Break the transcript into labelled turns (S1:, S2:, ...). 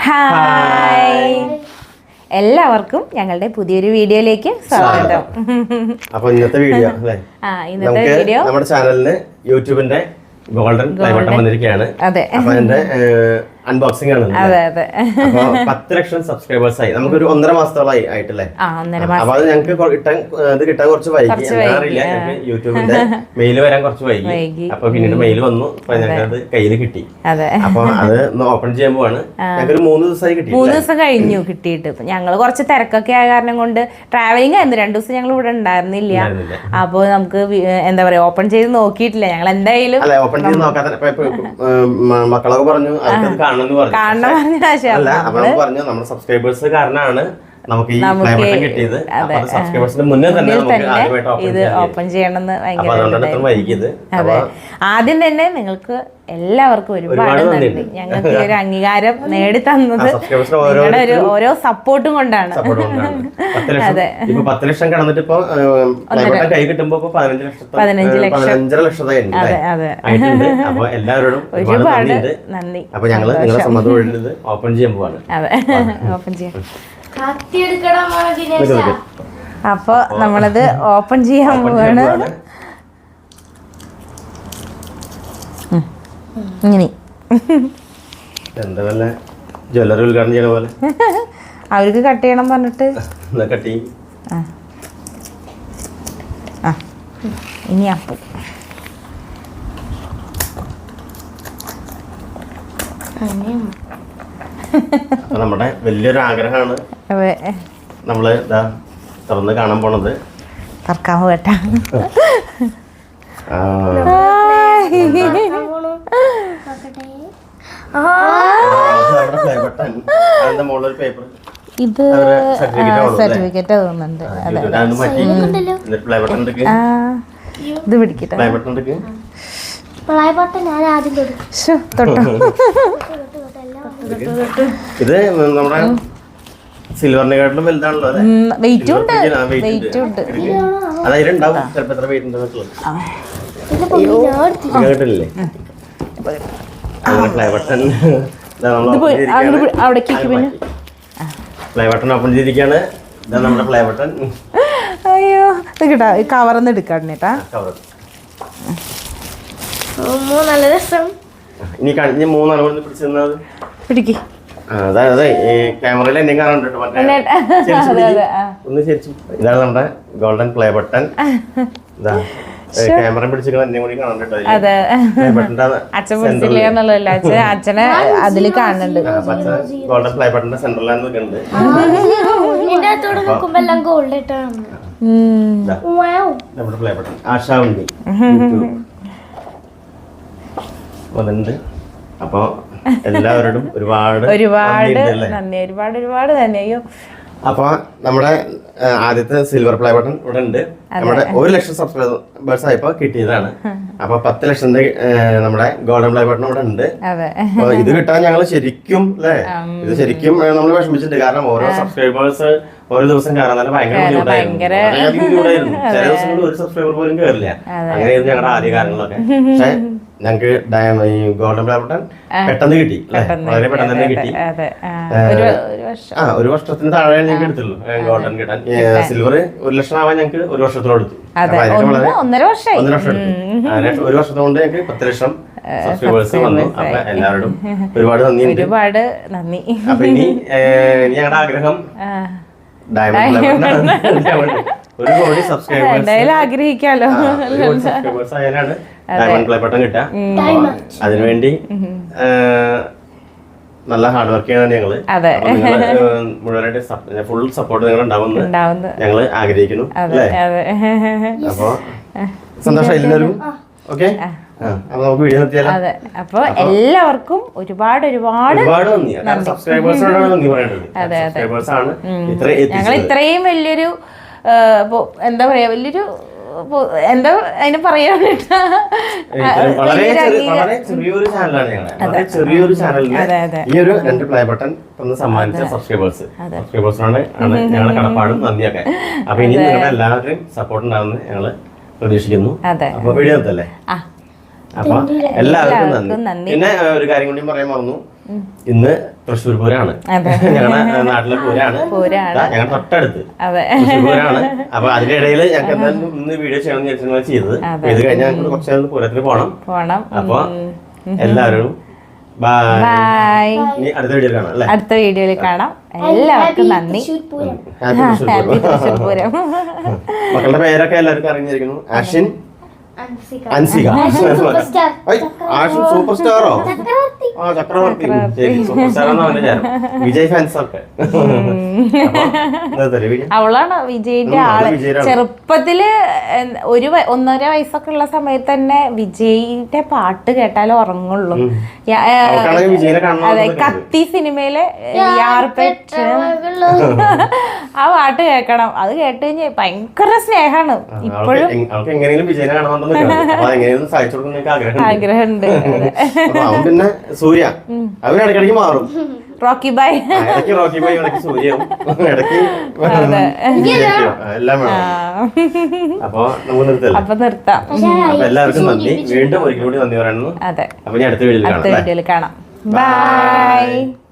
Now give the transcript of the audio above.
S1: Hi എല്ലാവർക്കും ഞങ്ങളുടെ പുതിയൊരു വീഡിയോയിലേക്ക് സ്വാഗതം.
S2: അപ്പോൾ ഇന്നത്തെ വീഡിയോ അല്ലേ?
S1: ഇന്നത്തെ വീഡിയോ
S2: നമ്മുടെ ചാനലിന് യൂട്യൂബിന്റെ ഗോൾഡൻ പ്ലേ ബട്ടൺ വന്നിരിക്കുകയാണ്.
S1: അതെ,
S2: അപ്പൊ അതിന്റെ അൺബോക്സിംഗ് ആണ്.
S1: അതെ അതെ.
S2: അപ്പൊ 10 ലക്ഷം സബ്സ്ക്രൈബേഴ്സ് ആയി. നമുക്കൊരു 1.5 മാസത്തോളമായി ആയിട്ടല്ലേ? അപ്പൊ അത് ഞങ്ങൾക്ക് കിട്ടാൻ കുറച്ച് വൈകി. അറിയില്ല, ഞങ്ങൾക്ക് യൂട്യൂബിന്റെ മെയിൽ വരാൻ കുറച്ച് വൈകി. അപ്പൊ പിന്നീട് മെയിൽ വന്നു, അപ്പൊ ഞങ്ങൾക്ക് കയ്യിൽ കിട്ടി. അപ്പൊ അത് ഓപ്പൺ ചെയ്യാൻ പോവാണ്. ഞങ്ങൾക്ക് 3 ദിവസമായി കിട്ടി.
S1: 3 ദിവസം കഴിഞ്ഞു കിട്ടിയിട്ട്. ഞങ്ങള് കുറച്ച് തിരക്കൊക്കെ ആയ കാരണം കൊണ്ട് ട്രാവലിംഗ് ആയിരുന്നു. 2 ദിവസം ഞങ്ങൾ ഇവിടെ ഉണ്ടായിരുന്നില്ല. അപ്പൊ നമുക്ക് എന്താ പറയാ, ഓപ്പൺ ചെയ്ത് നോക്കിയിട്ടില്ല. ഞങ്ങൾ എന്തായാലും
S2: ഓപ്പൺ ചെയ്ത് നോക്കാതെ മക്കളൊക്കെ പറഞ്ഞു പറഞ്ഞു നമ്മുടെ സബ്സ്ക്രൈബേഴ്സ് കാരണമാണ് നമുക്ക് ഈ പ്ലേ ബട്ടൺ കിട്ടിയത്. സബ്സ്ക്രൈബേഴ്സിന് മുന്നേ തന്നെ
S1: ഇത് ഓപ്പൺ ചെയ്യണമെന്ന്
S2: ഭയങ്കര.
S1: അതെ, ആദ്യം തന്നെ നിങ്ങൾക്ക് എല്ലാവർക്കും ഒരുപാട് നന്ദി. ഞങ്ങൾക്ക് ഈ ഒരു അംഗീകാരം നേടി തന്നത് നിങ്ങളുടെ ഓരോ സപ്പോർട്ടും കൊണ്ടാണ്.
S2: അതെ, 10 ലക്ഷം കടന്നിട്ട് ഇപ്പൊ കൈ കിട്ടുമ്പോ 15 ലക്ഷം ആയിട്ടുണ്ട്. അപ്പൊ എല്ലാവരോടും
S1: ഒരുപാട് നന്ദി.
S2: അപ്പൊ ഞങ്ങള് നിങ്ങളെ സമ്മതം ഓപ്പൺ ചെയ്യാൻ പോവാണ്.
S1: അതെ, ഓപ്പൺ ചെയ്യാം. അപ്പൊ നമ്മളത് ഓപ്പൺ ചെയ്യാൻ പോവാണ്. ഇങ്ങനെ
S2: എന്താ വല്ല ജ്വല്ലറി ഉദ്ഘാടനം ചെയ്യണ പോലെ
S1: അവർക്ക് കട്ട് ചെയ്യണം പറഞ്ഞിട്ട്
S2: കട്ടി.
S1: ഇനി അപ്പം
S2: നമ്മുടെ വലിയൊരു ആഗ്രഹമാണ് നമ്മള് തുറന്ന് കാണാൻ പോണത്.
S1: കറക്കാൻ പോകട്ടാ. ഇത് സർട്ടിഫിക്കറ്റ് തോന്നുന്നുണ്ട്. ഇത് പിടിക്കട്ടെ.
S2: ഇത് നമ്മുടെ സിൽവറിനെക്കാട്ടിലും വലുതാണല്ലോ.
S1: വെയിറ്റും ഉണ്ട്, വെയിറ്റും ഉണ്ട്.
S2: അതിലുണ്ടാവും ചിലപ്പോ എത്ര വെയിറ്റ് ഉണ്ടെന്നുള്ളത് കേട്ടില്ലേ? Play button play button open ചെയ്തിരിക്കുകയാണ്. ഇതാ നമ്മുടെ പ്ലേ ബട്ടൺ.
S1: അയ്യോ, കേട്ടാ കവർന്ന് എടുക്കാട്ടാ.
S2: നല്ല രസം. ഇനി കഴിഞ്ഞ 3 അളവ് പിടിച്ചിരുന്നത്
S1: പിടിക്ക്.
S2: അതെ, ഈ ക്യാമറയിൽ എന്നെ കാണുന്നുണ്ട്. ഒന്ന് ശരിച്ചു. ഇതാണ് നമ്മുടെ ഗോൾഡൻ പ്ലേ ബട്ടൺ. ഇതാ ക്യാമറ പിടിച്ചിരിക്കുന്ന എന്നെ കൂടി കാണുന്നുണ്ട്.
S1: അച്ഛനെ അതിൽ കാണുന്നുണ്ട്.
S2: ഗോൾഡൻ പ്ലേ ബട്ടന്റെ സെന്ററിലാണ് നിൽക്കുന്നുണ്ട്. നമ്മുടെ പ്ലേ ബട്ടൺ ആശാവുണ്ടി വന്നിട്ടുണ്ട്. അപ്പൊ എല്ലാവരോടും ഒരുപാട്
S1: നന്ദി. ഒരുപാട് നന്ദി. അയ്യോ,
S2: അപ്പൊ നമ്മുടെ ആദ്യത്തെ സിൽവർ പ്ലേ ബട്ടൺ ഇവിടെ ഉണ്ട്. നമ്മുടെ 1 ലക്ഷം സബ്സ്ക്രൈബേഴ്സ് ആയപ്പോ കിട്ടിയതാണ്. അപ്പൊ 10 ലക്ഷത്തിന്റെ നമ്മുടെ ഗോൾഡൻ പ്ലേ ബട്ടൺ ഇവിടെ ഉണ്ട്. അപ്പൊ ഇത് കിട്ടാൻ ഞങ്ങൾ ശരിക്കും ഇത് ശരിക്കും നമ്മൾ വിഷമിച്ചിട്ടുണ്ട്. കാരണം ഓരോ സബ്സ്ക്രൈബേഴ്സ് ഓരോ ദിവസം കയറാൻ തന്നെ ഭയങ്കര ബുദ്ധിമുട്ടായിരുന്നു. ചില ദിവസങ്ങളിൽ 1 സബ്സ്ക്രൈബർ പോലും കയറില്ല. അങ്ങനെയായിരുന്നു ഞങ്ങളുടെ ആദ്യ കാര്യങ്ങളൊക്കെ. പക്ഷെ ഞങ്ങൾക്ക് ഈ ഗോൾഡൻ പ്ലേ ബട്ടൺ പെട്ടെന്ന് കിട്ടി. വളരെ പെട്ടെന്ന് തന്നെ കിട്ടി. 1 വർഷത്തിന് താഴെ ഞങ്ങൾക്ക് എടുത്തുള്ളൂ ഗോൾഡൻ കിട്ടാൻ. സിൽവർ 1 ലക്ഷം ആവാൻ ഞങ്ങൾക്ക് 1 വർഷത്തോളം എടുത്തു.
S1: 1.5 വർഷം
S2: എടുത്തു. 1 വർഷത്തെ കൊണ്ട് ഞങ്ങൾക്ക് 10 ലക്ഷം സബ്സ്ക്രൈബേഴ്സ് വന്നു. അപ്പൊ എല്ലാവരോടും ഒരുപാട്
S1: നന്ദി.
S2: അപ്പൊ ഇനി ഞങ്ങളുടെ ആഗ്രഹം ഡയമണ്ട് പ്ലേ ബട്ടൺ 1 കോടി സബ്സ്ക്രൈബേഴ്സ്
S1: ആഗ്രഹിക്കാലോ.
S2: സബ്സ്ക്രൈബേഴ്സ് ആയാലാണ് ഡയമണ്ട് പ്ലേ ബട്ടൺ കിട്ടുക. അതിനുവേണ്ടി നല്ല ഹാർഡ് വർക്ക് ചെയ്യണം ഞങ്ങള്. മുഴുവനായിട്ട് ഫുൾ സപ്പോർട്ട് നിങ്ങൾ ഉണ്ടാവുമെന്ന് ഞങ്ങള് ആഗ്രഹിക്കുന്നു. അല്ലേ? അപ്പൊ സന്തോഷം എല്ലാവരും. ഓക്കെ, അപ്പൊ നമുക്ക് വീഡിയോ നിർത്തിയാലോ.
S1: അപ്പൊ എല്ലാവർക്കും ഒരുപാട്
S2: നന്ദി. സബ്സ്ക്രൈബേഴ്സിനോടാണ് നന്ദി പറയേണ്ടത്. സബ്സ്ക്രൈബേഴ്സ് ആണ്
S1: ഞങ്ങൾ ഇത്രയും വലിയൊരു എന്താ പറയാ, വലിയൊരു എന്താ അതിന് പറയാൻ
S2: വളരെ ചെറിയൊരു ചാനലാണ് ഞങ്ങൾ. ചെറിയൊരു ചാനലിന് ഈ ഒരു 2 പ്ലേ ബട്ടൺ സമ്മാനിച്ച സബ്സ്ക്രൈബേഴ്സിനാണ് ഞങ്ങളുടെ കടപ്പാടും നന്ദിയൊക്കെ. അപ്പൊ ഇനി നിങ്ങളുടെ എല്ലാവരുടെയും സപ്പോർട്ട് ഉണ്ടാവുമെന്ന് ഞങ്ങള് പ്രതീക്ഷിക്കുന്നു. അപ്പൊ വീഡിയോ നിർത്തല്ലേ? അപ്പൊ എല്ലാവർക്കും നന്ദി. പിന്നെ ഒരു കാര്യം കൂടി പറയാൻ മറന്നു, ഇന്ന് തൃശ്ശൂർ പൂരാണ്, ഞങ്ങളുടെ നാട്ടിലെ പൂരാണ്, ഞങ്ങളുടെ തൊട്ടടുത്ത് തൃശ്ശൂർ പൂരാണ്. അപ്പൊ അതിന്റെ ഇടയിൽ ഞങ്ങൾക്ക് എന്തായാലും ഇന്ന് വീഡിയോ ചെയ്യണമെന്ന് വിചാരിച്ചാണ് ചെയ്തത്. ഇത് കഴിഞ്ഞാൽ ഞങ്ങൾക്ക് കുറച്ച് പൂരത്തിന് പോണം. അപ്പൊ എല്ലാവരും ബൈ. അടുത്ത വീഡിയോയിൽ കാണാം അല്ലേ? അടുത്ത വീഡിയോയിൽ കാണാം. എല്ലാവർക്കും നന്ദി. ഹാപ്പി തൃശ്ശൂർ പൂരം. മക്കളുടെ പേരൊക്കെ എല്ലാവർക്കും അറിഞ്ഞിരിക്കുന്നു. ആഷിൻ, അൻസിക, ആഷിൻ സൂപ്പർ സ്റ്റാറോ? ആ, ചക്രവർത്തി. ശരി, സൂപ്പർ സ്റ്റാർ എന്നാണ് വിചാരം. വിജയ് ഫാൻസ് ഒക്കെ. അവളാണ് വിജയിന്റെ ആള്. ചെറുപ്പത്തില് 1.5 വയസ്സൊക്കെ ഉള്ള സമയത്ത് തന്നെ വിജയിന്റെ പാട്ട് കേട്ടാലേ ഉറങ്ങുള്ളൂ. അതെ, കത്തി സിനിമയിലെ ആ പാട്ട് കേൾക്കണം. അത് കേട്ട് കഴിഞ്ഞാൽ ഭയങ്കര സ്നേഹാണ്. ഇപ്പോഴും ആഗ്രഹമുണ്ട്. പിന്നെ സൂര്യ അവനിടയ്ക്കിടയ്ക്ക് മാറും.
S1: റോക്കി ബായ്,
S2: റോക്കി ബായ്, ഇടയ്ക്ക് സൂര്യവും, ഇടയ്ക്ക് എല്ലാം വേണം. അപ്പൊ നമുക്ക് നിർത്താം. അപ്പൊ എല്ലാവർക്കും നന്ദി. വീണ്ടും ഒരിക്കൽ കൂടി നന്ദി പറയുന്നു. അതെ, അപ്പൊ ഞാൻ അടുത്ത വീഡിയോയിൽ കാണാം. ബൈ.